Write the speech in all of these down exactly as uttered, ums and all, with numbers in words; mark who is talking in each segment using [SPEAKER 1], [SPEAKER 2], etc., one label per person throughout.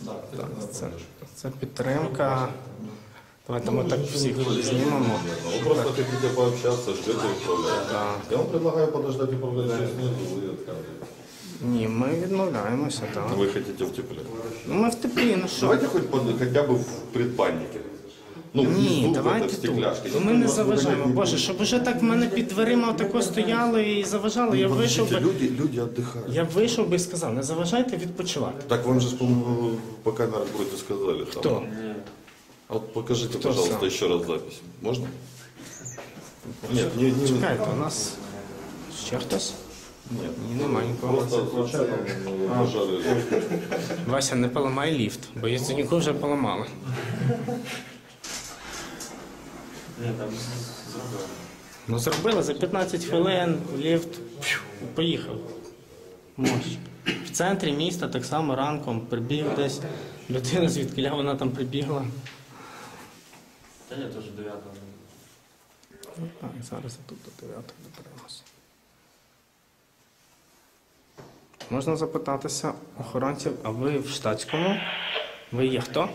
[SPEAKER 1] Так, це, це підтримка. Давайте ми так всіх знімемо.
[SPEAKER 2] Вы просто хотите пообщаться, ждете управляющего. Я вам предлагаю подождать управляющего снизу, вы отказываетесь.
[SPEAKER 1] Ні, ми відмовляємося, так.
[SPEAKER 2] Вы хотите в тепле.
[SPEAKER 1] Ну ми в теплі, ну що?
[SPEAKER 2] Давайте хоть под- хотя бы в предбаннике. Ну,
[SPEAKER 1] Ні,
[SPEAKER 2] внизу,
[SPEAKER 1] давайте
[SPEAKER 2] в стекляшке.
[SPEAKER 1] тут. Ми не заважаємо. Боже, щоб уже так в мене під дверима отако стояли і заважали, я вийшов би.
[SPEAKER 2] Люди, люди отдыхают.
[SPEAKER 1] Я вийшов би і сказав, не заважайте відпочивати.
[SPEAKER 2] Так вам же, по-моему, по камерам вроде сказали. Там.
[SPEAKER 1] Хто?
[SPEAKER 2] А вот покажите,
[SPEAKER 1] Кто
[SPEAKER 2] пожалуйста,
[SPEAKER 1] сам?
[SPEAKER 2] еще раз запись. Можно? Нет, не, не,
[SPEAKER 1] Чекайте, у нас ще хтось?
[SPEAKER 2] нет.
[SPEAKER 1] Ні, нема нікого.
[SPEAKER 2] Просто случайно пожары.
[SPEAKER 1] Вася, не поламай ліфт, бо Яценюку вже поламали.
[SPEAKER 3] Ні, там зробили.
[SPEAKER 1] Ну зробили за п'ятнадцять хвилин, ліфт пф, поїхав. Мощ. В центрі міста так само ранком прибіг десь. Людина, звідки вона там прибігла.
[SPEAKER 3] Та ні, теж дев'ятого.
[SPEAKER 1] Ну, так, зараз я тут до дев'ятого доберемося. Можна запитатися охоронців, а ви в штатському? Ви є хто?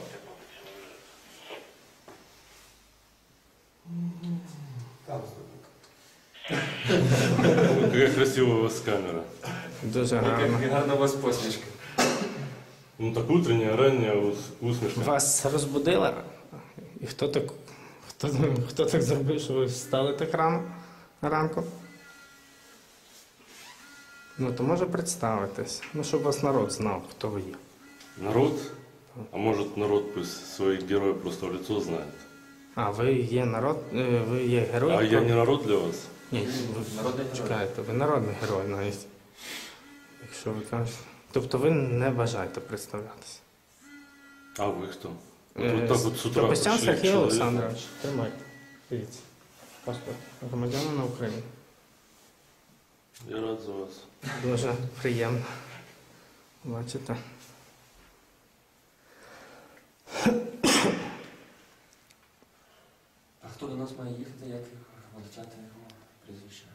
[SPEAKER 4] Какая красивая у вас камера.
[SPEAKER 1] Дуже гарно.
[SPEAKER 3] Гарна у вас посмішка.
[SPEAKER 4] Ну так утренняя, ранняя ус- усмішка.
[SPEAKER 1] Вас розбудили? І хто так, хто, хто так зробив, що ви встали так рано ранку? Ну, то може представитись. Ну, щоб вас народ знав, хто ви є.
[SPEAKER 4] Народ? А может народ пусть своих героев просто в лицо знает.
[SPEAKER 1] А, ви є народ, е, ви є герой?
[SPEAKER 4] А я не народ для вас?
[SPEAKER 1] Ні, ви
[SPEAKER 3] Народний герой.
[SPEAKER 1] чекаєте, ви народний герой навіть. Якщо ви кажете. Тобто ви не бажаєте представлятися.
[SPEAKER 4] А вы кто? Вот,
[SPEAKER 1] Е,
[SPEAKER 4] вот так вот с утра
[SPEAKER 1] Капустян
[SPEAKER 4] пришли к
[SPEAKER 1] Сергій
[SPEAKER 4] человеку.
[SPEAKER 1] Олександрович. Тримайте. Дивіться. Паспорт громадянина України.
[SPEAKER 4] Я рад за вас.
[SPEAKER 1] Дуже приємно. Бачите.
[SPEAKER 3] А хто до нас має їхати, як величати його прізвище?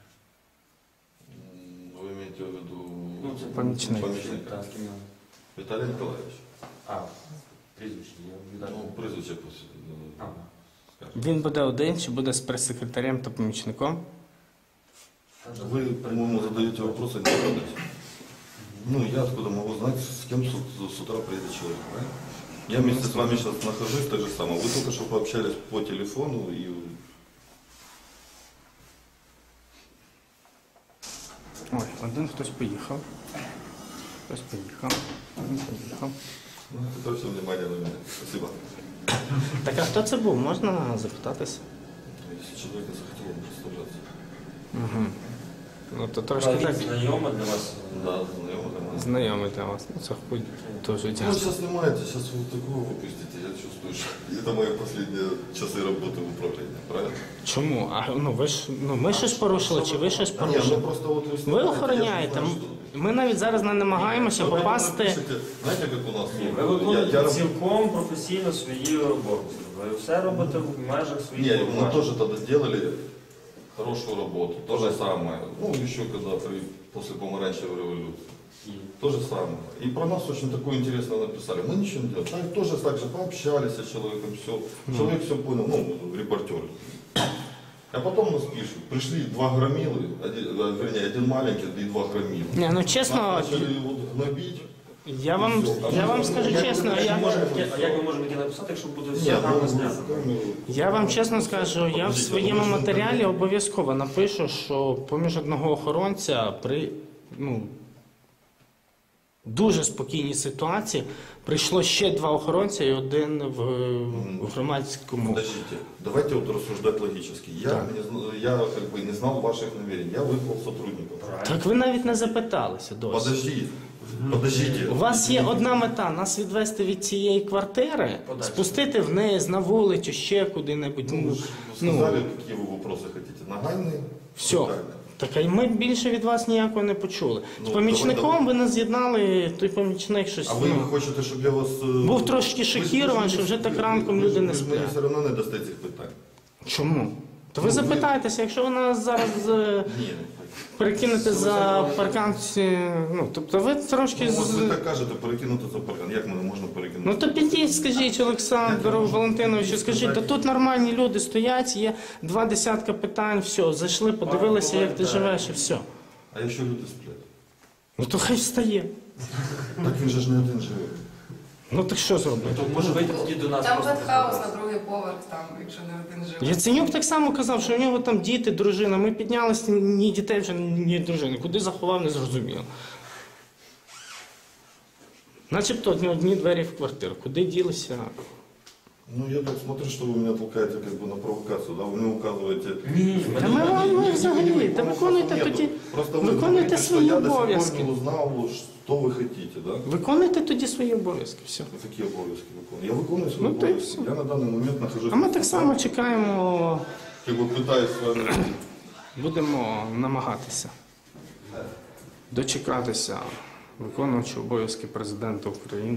[SPEAKER 2] Вы имеете в виду
[SPEAKER 3] Ну, це
[SPEAKER 1] Помічник.
[SPEAKER 2] помічник?
[SPEAKER 3] Так, з ким його?
[SPEAKER 2] Виталий Николаевич.
[SPEAKER 3] А, прізвище, я віддав.
[SPEAKER 2] Ну, прізвище пусть, ну,
[SPEAKER 3] Ага.
[SPEAKER 2] скажет.
[SPEAKER 1] Він буде один чи буде з прес-секретарем та помічником?
[SPEAKER 2] Вы, по-моему, задаете вопросы не задаете. Ну, я откуда могу знать, с кем с, с утра приедет человек, правильно? Я вместе с вами сейчас нахожусь, так же самое. Вы только что пообщались по телефону и...
[SPEAKER 1] Ой, один хтось поїхав. Хтось поїхав. Один поїхав.
[SPEAKER 2] Ну, это все внимание на меня. Спасибо.
[SPEAKER 1] Так а хто це був? Можна запитатися?
[SPEAKER 2] Если человек не захотел, он представляться.
[SPEAKER 1] Угу. Ну то трошки так
[SPEAKER 3] Знайома для вас?
[SPEAKER 2] Да, знакомый для нас.
[SPEAKER 1] знайомий для вас. Ну це хоч дуже
[SPEAKER 2] Ну,
[SPEAKER 1] дякую.
[SPEAKER 2] сейчас снимаете, сейчас вы такого выпустите, я чувствую, что это мои последние часы работы в управлении, правильно?
[SPEAKER 1] Чому? А ну ви ж ну ми щось порушили, чи ви щось
[SPEAKER 2] Нет,
[SPEAKER 1] порушили?
[SPEAKER 2] ну просто вот вы
[SPEAKER 1] Ви
[SPEAKER 2] снимаете,
[SPEAKER 1] охороняєте.
[SPEAKER 2] я же не знаю,
[SPEAKER 1] Ми навіть зараз не намагаємося
[SPEAKER 2] что.
[SPEAKER 1] попасти.
[SPEAKER 2] Пишите, знаете, как у нас?
[SPEAKER 3] Ні, ви
[SPEAKER 2] Я, я
[SPEAKER 3] виконуєте
[SPEAKER 2] раб-
[SPEAKER 3] цілком професійно свої роботи. Ви все робите в межах своїх
[SPEAKER 2] Не, мы
[SPEAKER 3] повноважень.
[SPEAKER 2] тоже тогда сделали хорошую работу. То же самое. Ну, еще когда при, после помаранчевой революции.
[SPEAKER 3] І
[SPEAKER 2] То же самое. И про нас очень такое интересное написали. Мы ничего не делали. Так, тоже так же пообщались с человеком, все. Человек все понял, ну, репортер. А потом нас пишут. Пришли два громилы, один, а, вернее, один маленький и два громилы.
[SPEAKER 1] Ні, ну чесно,
[SPEAKER 2] Нас начали вот гнобить.
[SPEAKER 1] я вам я вам скажу чесно,
[SPEAKER 3] А
[SPEAKER 1] я.
[SPEAKER 3] як- А як ми можемо таке написати, якщо буде все
[SPEAKER 2] Нет,
[SPEAKER 3] гарно
[SPEAKER 2] ну,
[SPEAKER 3] знято?
[SPEAKER 2] камеру.
[SPEAKER 1] Я вам чесно скажу, я в своєму матеріалі обов'язково напишу, що поміж одного охоронця при ну, дуже спокійній ситуації прийшло ще два охоронця і один в, в громадському.
[SPEAKER 2] Подождите, давайте вот рассуждать логически. Я,
[SPEAKER 1] Так.
[SPEAKER 2] не, зна- я как бы не знал ваших намерений. Я вызвал сотрудников.
[SPEAKER 1] Так ви навіть не запиталися досі.
[SPEAKER 2] Подожди, подождите.
[SPEAKER 1] У вас є одна мета нас відвести від цієї квартири,
[SPEAKER 3] Подальше.
[SPEAKER 1] спустити вниз на вулицю, ще куди-небудь.
[SPEAKER 2] Ну, вы
[SPEAKER 1] Ну,
[SPEAKER 2] же
[SPEAKER 1] ну,
[SPEAKER 2] сказали, какие вы вопросы хотите. Нагальные?
[SPEAKER 1] все.
[SPEAKER 2] Детальные.
[SPEAKER 1] Так а й ми більше від вас ніякого не почули. З
[SPEAKER 2] Ну,
[SPEAKER 1] помічником
[SPEAKER 2] давай,
[SPEAKER 1] ви нас з'єднали, той помічник щось.
[SPEAKER 2] А ви
[SPEAKER 1] ну,
[SPEAKER 2] хочете, щоб я вас... е,
[SPEAKER 1] Був трошки
[SPEAKER 2] ви ж-
[SPEAKER 1] шокірований,
[SPEAKER 2] ви ж
[SPEAKER 1] що вже
[SPEAKER 2] мені-
[SPEAKER 1] так ранком
[SPEAKER 2] ви ж-
[SPEAKER 1] люди не
[SPEAKER 2] Ви ж мені
[SPEAKER 1] сплять.
[SPEAKER 2] все одно не дасте цих питань.
[SPEAKER 1] Чому? То ви запитайтеся, якщо ви нас зараз е,
[SPEAKER 2] Ні.
[SPEAKER 1] перекинете за паркан, е, ну, тобто ви трошки...
[SPEAKER 2] Ну,
[SPEAKER 1] з-
[SPEAKER 2] от ви так кажете, перекинути за паркан. Як мене можна перекинути?
[SPEAKER 1] Ну то підіть, скажіть Олександру Валентиновичу, скажіть, та тут нормальні люди стоять, є два десятка питань, все, зайшли, подивилися, як ти живеш і все.
[SPEAKER 2] А якщо люди сплять?
[SPEAKER 1] Ну то хай встає.
[SPEAKER 2] Так він же ж не один живе.
[SPEAKER 1] Ну так що зробити?
[SPEAKER 3] То може вийти тоді до нас
[SPEAKER 5] Там
[SPEAKER 3] просто.
[SPEAKER 5] пентхаус на другий поверх, там, якщо не один живе.
[SPEAKER 1] Яценюк так само казав, що у нього там діти, дружина. Ми піднялися, ні дітей вже, ні дружини. Куди заховав, не зрозуміло. Начебто одні, одні двері в квартиру. Куди ділися?
[SPEAKER 2] Ну, я так смотрю, что вы меня толкаете как бы на провокацию, да? Вы мне указываете...
[SPEAKER 1] Та ми вам ми взагалі, та виконуйте
[SPEAKER 2] Нету.
[SPEAKER 1] тоді,
[SPEAKER 2] Просто вы
[SPEAKER 1] виконуйте
[SPEAKER 2] говорите, что
[SPEAKER 1] свої
[SPEAKER 2] я до сих
[SPEAKER 1] обов'язки.
[SPEAKER 2] пор не узнал, что вы хотите, да?
[SPEAKER 1] Виконуйте тоді свої обов'язки. Все.
[SPEAKER 2] Какие обовязки выполняю? Я выполняю свои
[SPEAKER 1] Ну, то и
[SPEAKER 2] обовязки.
[SPEAKER 1] всё.
[SPEAKER 2] Я на данный момент нахожусь...
[SPEAKER 1] А ми так само чекаємо,
[SPEAKER 2] Как бы пытаюсь с вами...
[SPEAKER 1] будемо намагатися дочекатися виконуючого обов'язки президента України.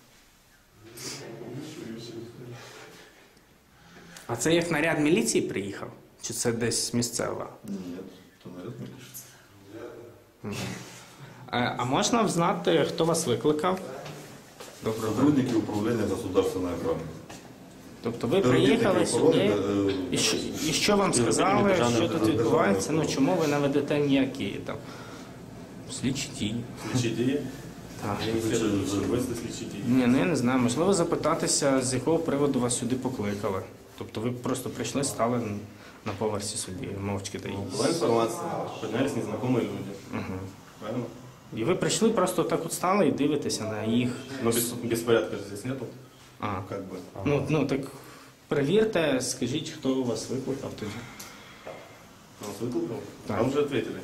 [SPEAKER 1] А це як наряд міліції приїхав? Чи це десь місцева?
[SPEAKER 2] Нет, то наряд мне пишет.
[SPEAKER 1] Е, А можна взнати, хто вас викликав? Доброго дня.
[SPEAKER 2] Сотрудники управления государственной охраны.
[SPEAKER 1] Тобто ви приїхали сюди, і що, і що вам сказали, що тут відбувається? Ну чому ви не ведете ніякі там слідчі дії?
[SPEAKER 4] Слідчі дії?
[SPEAKER 1] Так.
[SPEAKER 4] Я не хочу вести слідчі дії.
[SPEAKER 1] Ні, ну я не знаю. Можливо, запитатися, з якого приводу вас сюди покликали. Тобто ви просто прийшли, стали на поверсі собі, мовчки та
[SPEAKER 4] Була інформація, піднялись незнайомі люди.
[SPEAKER 1] Угу.
[SPEAKER 4] Правильно?
[SPEAKER 1] І ви прийшли, просто так от стали і дивитеся на їх.
[SPEAKER 4] Но без, беспорядка же здесь нету.
[SPEAKER 1] А,
[SPEAKER 4] Как бы.
[SPEAKER 1] ну, ну так перевірте, скажіть, хто вас викликав тоді.
[SPEAKER 4] Нас выкликал?
[SPEAKER 1] Так.
[SPEAKER 4] Вам уже ответили.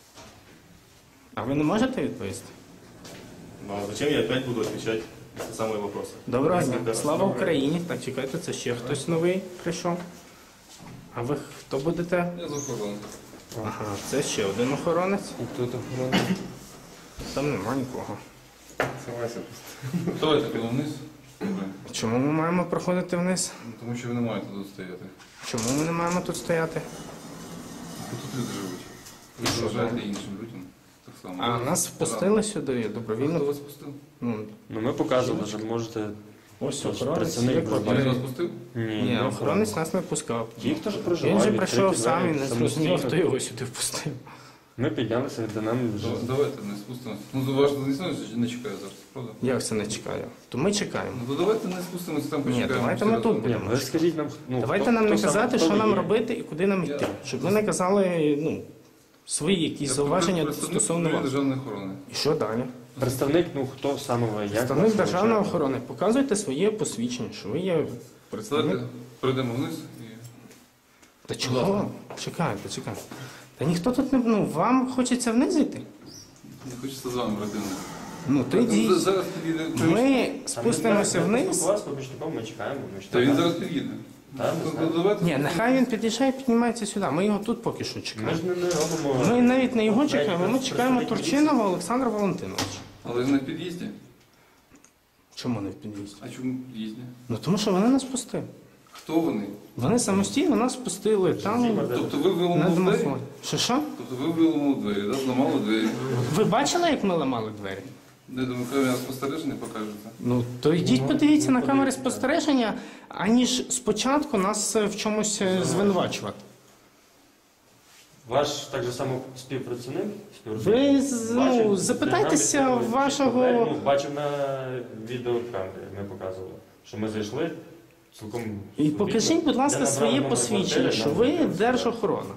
[SPEAKER 1] А ви не можете відповісти?
[SPEAKER 4] Но зачем я опять буду отвечать на те самые вопросы?
[SPEAKER 1] Доброго
[SPEAKER 4] Если
[SPEAKER 1] дня.
[SPEAKER 4] это-
[SPEAKER 1] Слава Україні. Так, чекайте, це ще хтось новий прийшов. А ви хто будете?
[SPEAKER 6] Я з охорони.
[SPEAKER 1] Ага, це ще один охоронець.
[SPEAKER 6] І хто там охорони?
[SPEAKER 1] Там нема нікого.
[SPEAKER 6] Давайте підемо вниз. Добре.
[SPEAKER 1] Чому ми маємо проходити вниз?
[SPEAKER 6] Ну, Тому що ви не маєте тут стояти.
[SPEAKER 1] Чому ми не маємо тут стояти?
[SPEAKER 6] Бо тут люди живуть. Ви
[SPEAKER 1] що,
[SPEAKER 6] заважаєте
[SPEAKER 1] да?
[SPEAKER 6] іншим людям. Так само.
[SPEAKER 1] А
[SPEAKER 6] Ви-
[SPEAKER 1] нас впустили сюди
[SPEAKER 6] Хто
[SPEAKER 1] добровільно.
[SPEAKER 6] вас пустив?
[SPEAKER 1] Ну,
[SPEAKER 7] Ну, ми показували, що можете.
[SPEAKER 1] ось
[SPEAKER 7] Тож
[SPEAKER 1] охоронець.
[SPEAKER 7] працівник
[SPEAKER 1] є
[SPEAKER 7] буде.
[SPEAKER 6] Він
[SPEAKER 1] квартира.
[SPEAKER 6] вас пустив?
[SPEAKER 7] Ні,
[SPEAKER 1] Ні,
[SPEAKER 7] не
[SPEAKER 1] охоронець нас не пускав.
[SPEAKER 7] Ті, хто ж
[SPEAKER 1] Він
[SPEAKER 7] проживає,
[SPEAKER 1] же прийшов
[SPEAKER 7] відкриті
[SPEAKER 1] сам і
[SPEAKER 7] двері,
[SPEAKER 1] не
[SPEAKER 7] самостійно.
[SPEAKER 1] зрозумів, хто його сюди впустив.
[SPEAKER 7] Ми піднялися, де нам вже.
[SPEAKER 6] Ну, Давайте не спустимося. Ну, заважно не не чекає зараз, правда?
[SPEAKER 1] Як це не чекаю? То ми чекаємо.
[SPEAKER 6] Ну, то давайте не спустимося, там
[SPEAKER 1] Ні,
[SPEAKER 6] почекаємо.
[SPEAKER 1] давайте
[SPEAKER 6] всі
[SPEAKER 1] ми тут
[SPEAKER 6] разом.
[SPEAKER 1] будемо.
[SPEAKER 7] Ви скажіть нам, ну,
[SPEAKER 1] Давайте
[SPEAKER 7] хто-
[SPEAKER 1] нам не
[SPEAKER 7] хто саме-
[SPEAKER 1] казати,
[SPEAKER 7] хто
[SPEAKER 1] що
[SPEAKER 7] ви
[SPEAKER 1] нам
[SPEAKER 7] є.
[SPEAKER 1] робити і куди нам йти.
[SPEAKER 6] Я-
[SPEAKER 1] Щоб ви не казали, ну, свої якісь
[SPEAKER 6] Я
[SPEAKER 1] зауваження
[SPEAKER 6] представник
[SPEAKER 1] стосовно вас.
[SPEAKER 6] державної охорони.
[SPEAKER 1] І що далі?
[SPEAKER 7] Представник, ну хто саме ви? Як
[SPEAKER 1] Представник
[SPEAKER 7] вас
[SPEAKER 1] державної
[SPEAKER 7] навчали?
[SPEAKER 1] охорони. Показуйте своє посвідчення, що ви є представник.
[SPEAKER 6] Давайте пройдемо вниз і...
[SPEAKER 1] Та чого? Чекайте, чекайте. Та ніхто тут не... Ну, вам хочеться вниз йти?
[SPEAKER 6] Не хочеться з вами родину.
[SPEAKER 1] Ну, то йдіть.
[SPEAKER 6] Зараз підійде.
[SPEAKER 1] Ми спустимося
[SPEAKER 7] Там
[SPEAKER 1] вниз.
[SPEAKER 7] спілкувалися з помічником, ми чекаємо. Ми
[SPEAKER 6] Та він
[SPEAKER 7] чекаємо.
[SPEAKER 6] зараз під'їде.
[SPEAKER 7] Так, ми
[SPEAKER 6] Ну,
[SPEAKER 7] знаємо.
[SPEAKER 6] давайте.
[SPEAKER 1] Ні, нехай він під'їжджає і піднімається сюди. Ми його тут поки що
[SPEAKER 7] Ми
[SPEAKER 1] чекаємо.
[SPEAKER 7] ж не, не робимо.
[SPEAKER 1] Ми навіть не його чекаємо, ми
[SPEAKER 7] Навіть
[SPEAKER 1] чекаємо
[SPEAKER 7] представник
[SPEAKER 1] Турчинова Олександра Валентиновича.
[SPEAKER 6] Але він на під'їзді.
[SPEAKER 1] Чому не в під'їзді?
[SPEAKER 6] А чому в під'їзді?
[SPEAKER 1] Ну тому що вони нас пустили.
[SPEAKER 6] Хто вони?
[SPEAKER 1] Вони самостійно нас пустили там
[SPEAKER 6] Тобто ви
[SPEAKER 1] на
[SPEAKER 6] виламали двері?
[SPEAKER 1] домофон. Що що?
[SPEAKER 6] Тобто ви виламали двері, да? Зламали двері.
[SPEAKER 1] Ви бачили, як ми ламали двері?
[SPEAKER 6] Не думаю, камера спостереження покажеться.
[SPEAKER 1] Ну то йдіть подивіться на камери спостереження, аніж спочатку нас е, в чомусь е, звинувачувати.
[SPEAKER 7] Ваш так же само співпрацівник?
[SPEAKER 1] Ви з- ну,
[SPEAKER 7] Бачив,
[SPEAKER 1] запитайтеся
[SPEAKER 7] нам відкрили
[SPEAKER 1] вашого-
[SPEAKER 7] двері, ну, бачив на відеокамері, ми показували, що ми зайшли цілком.
[SPEAKER 1] І покажіть, будь ласка,
[SPEAKER 7] Я
[SPEAKER 1] своє
[SPEAKER 7] набрав номер
[SPEAKER 1] посвідчення,
[SPEAKER 7] квартири,
[SPEAKER 1] що
[SPEAKER 7] нам
[SPEAKER 1] ви
[SPEAKER 7] відкрили.
[SPEAKER 1] держохорона.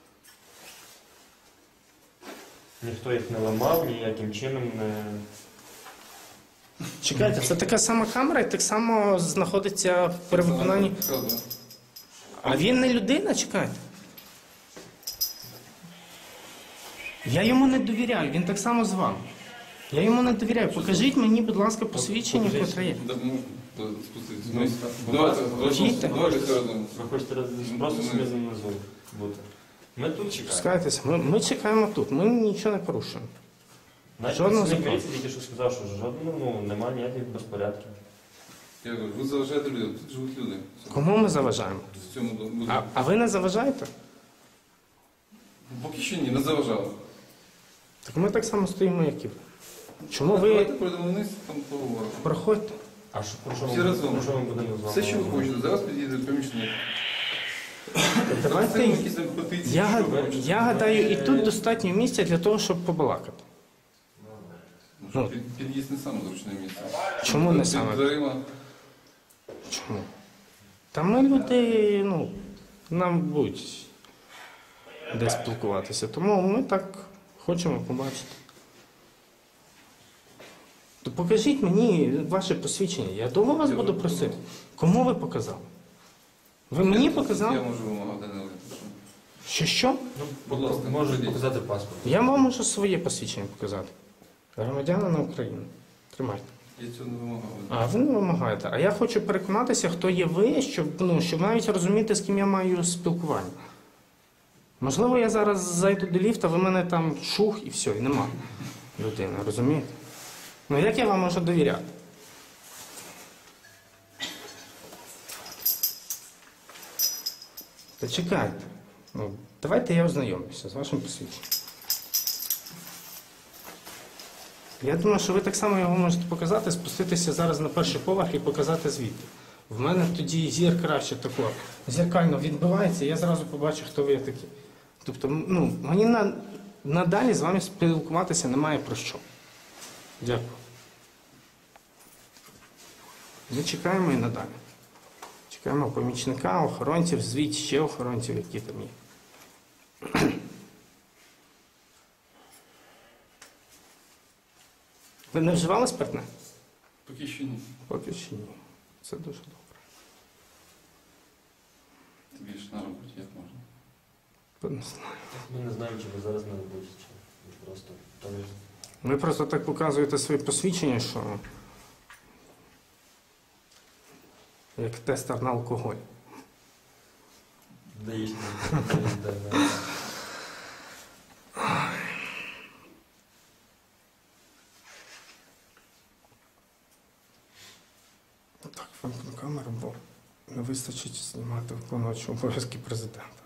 [SPEAKER 7] Ніхто їх не ламав, ніяким чином не.
[SPEAKER 1] Чекайте, це така сама камера і так само знаходиться при виконанні.
[SPEAKER 6] Правда.
[SPEAKER 1] А він не людина, чекайте. Я йому не довіряю, він так само з вами. Я йому не довіряю. Покажіть мені, будь ласка, посвідчення, котре є.
[SPEAKER 6] Да, ну, спуститися.
[SPEAKER 7] Ну,
[SPEAKER 6] вниз.
[SPEAKER 7] будь
[SPEAKER 6] Давайте,
[SPEAKER 1] ласка.
[SPEAKER 6] давайте, давайте все разом.
[SPEAKER 7] Ви хочете роз- просто собі внизу бути. Ми тут чекаємо.
[SPEAKER 1] Пускайтеся, ми, ми чекаємо тут, ми нічого не порушуємо.
[SPEAKER 7] Навіть
[SPEAKER 1] Жодного
[SPEAKER 7] працівник
[SPEAKER 1] закону.
[SPEAKER 7] міліції тільки що сказав, що жодного, ну, немає ніяких безпорядків.
[SPEAKER 6] Я говорю, ви заважаєте людям, тут живуть люди.
[SPEAKER 1] Кому ми заважаємо?
[SPEAKER 6] В цьому будинку.
[SPEAKER 1] А, а ви не заважаєте?
[SPEAKER 6] Поки що ні, не заважали.
[SPEAKER 1] Так ми так само стоїмо, як і ви. Чому
[SPEAKER 6] Давайте
[SPEAKER 1] ви
[SPEAKER 6] пройдемо вниз, там поговоримо.
[SPEAKER 1] проходьте?
[SPEAKER 7] А що, про що
[SPEAKER 6] Всі
[SPEAKER 7] ми,
[SPEAKER 6] разом.
[SPEAKER 7] про що ми будемо з вами?
[SPEAKER 6] Все, що ви
[SPEAKER 7] говорити?
[SPEAKER 6] хочете, зараз підійде помічник.
[SPEAKER 1] Давайте.
[SPEAKER 6] якісь там петиції,
[SPEAKER 1] Я,
[SPEAKER 6] що
[SPEAKER 1] гад-
[SPEAKER 6] ви хочете.
[SPEAKER 1] я гадаю, і тут достатньо місця для того, щоб побалакати.
[SPEAKER 6] Ну, що, під- Під'їзд не саме зручне місце.
[SPEAKER 1] Чому не
[SPEAKER 6] Під
[SPEAKER 1] саме?
[SPEAKER 6] дверима.
[SPEAKER 1] Чому? Та ми люди, ну, нам будуть де спілкуватися. Тому ми так хочемо побачити. То покажіть мені ваше посвідчення. Я довго вас буду просити. Кому ви показали? Ви мені
[SPEAKER 6] Я
[SPEAKER 1] показали?
[SPEAKER 6] можу вимагати не прошу.
[SPEAKER 1] Що що?
[SPEAKER 7] Ну,
[SPEAKER 6] Будь ласка,
[SPEAKER 7] можете
[SPEAKER 6] пройдіть.
[SPEAKER 7] показати паспорт.
[SPEAKER 1] Я вам можу своє посвідчення показати. Громадянина України. Тримайте.
[SPEAKER 6] Я цього не вимагав.
[SPEAKER 1] А ви не вимагаєте. А я хочу переконатися, хто є ви, щоб, ну, щоб навіть розуміти, з ким я маю спілкування. Можливо, я зараз зайду до ліфта, ви мене там шух і все, і нема людини, розумієте? Ну як я вам можу довіряти? Та чекайте. Ну, давайте я ознайомлюся з вашим посвідченням. Я думаю, що ви так само його можете показати, спуститися зараз на перший поверх і показати звідти. В мене тоді зір краще тако зеркально відбивається, і я зразу побачу, хто ви такі. Тобто, ну, мені на, надалі з вами спілкуватися немає про що. Дякую. Ми чекаємо і надалі. Чекаємо помічника, охоронців, звідти ще охоронців, які там є. Ви не вживали спиртне?
[SPEAKER 6] Поки що ні.
[SPEAKER 1] Поки що ні. Це дуже добре.
[SPEAKER 6] Ти більше на роботі, як можна.
[SPEAKER 1] Не знаю.
[SPEAKER 7] Ми не знаємо, чи ви зараз на роботі, чи ви просто там.
[SPEAKER 1] Ви просто так показуєте своє посвідчення, що як тестер на алкоголь.
[SPEAKER 7] Даєш
[SPEAKER 1] Так, вимкну камеру, бо не вистачить знімати виконувачу обов'язки президента.